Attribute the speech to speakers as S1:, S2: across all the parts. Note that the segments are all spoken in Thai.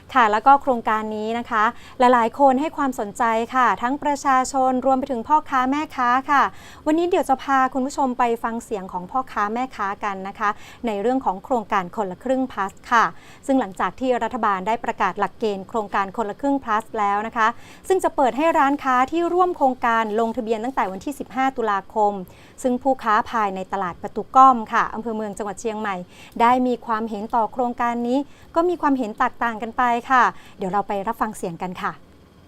S1: ค่ะแล้วก็โครงการนี้นะคะหลายๆคนให้ความสนใจค่ะทั้งประชาชนรวมไปถึงพ่อค้าแม่ค้าค่ะวันนี้เดี๋ยวจะพาคุณผู้ชมไปฟังเสียงของพ่อค้าแม่ค้ากันนะคะในเรื่องของโครงการคนละครึ่ง plus ค่ะซึ่งหลังจากที่รัฐบาลได้ประกาศหลักเกณฑ์โครงการคนละครึ่ง plus แล้วนะคะซึ่งจะเปิดให้ร้านค้าที่ร่วมโครงการลงทะเบียนตั้งแต่วันที่15ตุลาคมซึ่งผู้ค้าภายในตลาดประตูก้อมค่ะอำเภอเมืองจังหวัดเชียงใหม่ได้มีความเห็นต่อโครงการนี้ก็มีความเห็นแตกต่างกันไปค่ะเดี๋ยวเราไปรับฟังเสียงกันค่ะ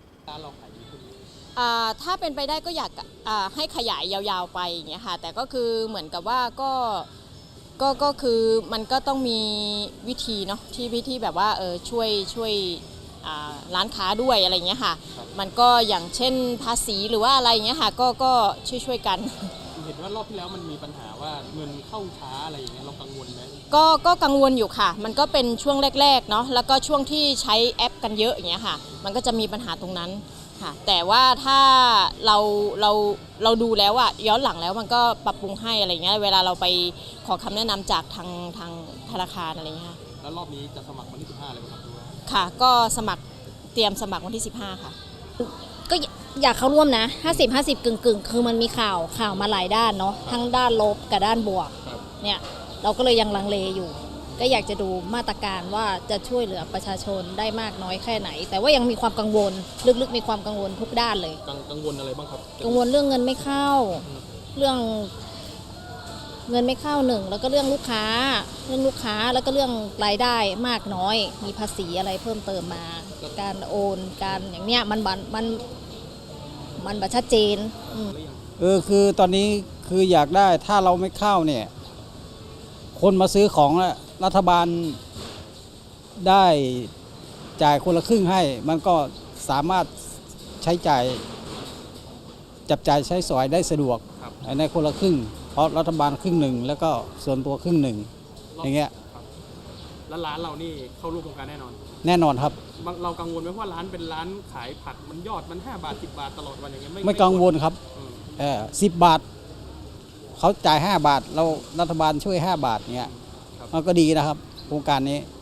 S2: ถ้าเป็นไปได้ก็อยากให้ขยายยาวๆไปอย่างเงี้ยค่ะแต่ก็คือเหมือนกับว่าก็คือมันก็ต้องมีวิธีเนาะที่วิธีแบบว่าช่วยร้านค้าด้วยอะไรเงี้ยค่ะมันก็อย่างเช่นภาษีหรือว่าอะไรเงี้ยค่ะก็ช่วยกัน
S3: เห็นว่ารอบที่แล้วมันมีปัญหาว่าเงินเข้าช้าอะไรอย่างเงี้ยเรากังวลไหม
S2: ก็กังวลอยู่ค่ะมันก็เป็นช่วงแรกๆเนาะแล้วก็ช่วงที่ใช้แอปกันเยอะอย่างเงี้ยค่ะมันก็จะมีปัญหาตรงนั้นค่ะแต่ว่าถ้าเราดูแล้วอะย้อนหลังแล้วมันก็ปรับปรุงให้อะไรเงี้ยเวลาเราไปขอคำแนะนำจากทางธนาคารอะไรเงี้ย
S3: แล้วรอบนี้จะสมัครวันที่15เลยไหมครับ
S2: ค่ะก็เตรียมสมัครวันที่15ค่ะ
S4: ก็อยากเข้าร่วมนะ50-50กึ่งคือมันมีข่าวมาหลายด้านเนาะทั้งด้านลบกับด้านบวกเนี่ยเราก็เลยยังลังเลอยู่ก็อยากจะดูมาตรการว่าจะช่วยเหลือประชาชนได้มากน้อยแค่ไหนแต่ว่ายังมีความกังวลลึกๆมีความกังวลทุกด้านเลย
S3: กังวลอะไรบ้างครับ
S4: กังวลเรื่องเงินไม่เข้าเรื่องเงินไม่เข้าหนึ่งแล้วก็เรื่องลูกค้าแล้วก็เรื่องรายได้มากน้อยมีภาษีอะไรเพิ่มเติมมาการโอนการอย่างเนี้ยมันบัชัดเจน
S5: คือตอนนี้คืออยากได้ถ้าเราไม่เข้าเนี่ยคนมาซื้อของรัฐบาลได้จ่ายคนละครึ่งให้มันก็สามารถใช้จ่ายจับจ่ายใช้สอยได้สะดวกในคนละครึ่งเพราะรัฐบาลครึ่งหนึ่งแล้วก็ส่วนตัวครึ่งหนึ่งอย่างเงี้ย
S3: แล้วร้านเรานี่เข้าร่วมโครงการแน่นอน
S5: ครับ
S3: เรากังวลไหมว่าร้านเป็นร้านขายผักมันยอดมัน5 บาท10 บาทตลอดวันอย่างเงี้ย
S5: ไม่กังวลครับ10 บาทเขาจ่าย5 บาทเรารัฐบาลช่วย5 บาทเงี้ยมันก็ดีนะครับโครงการนี้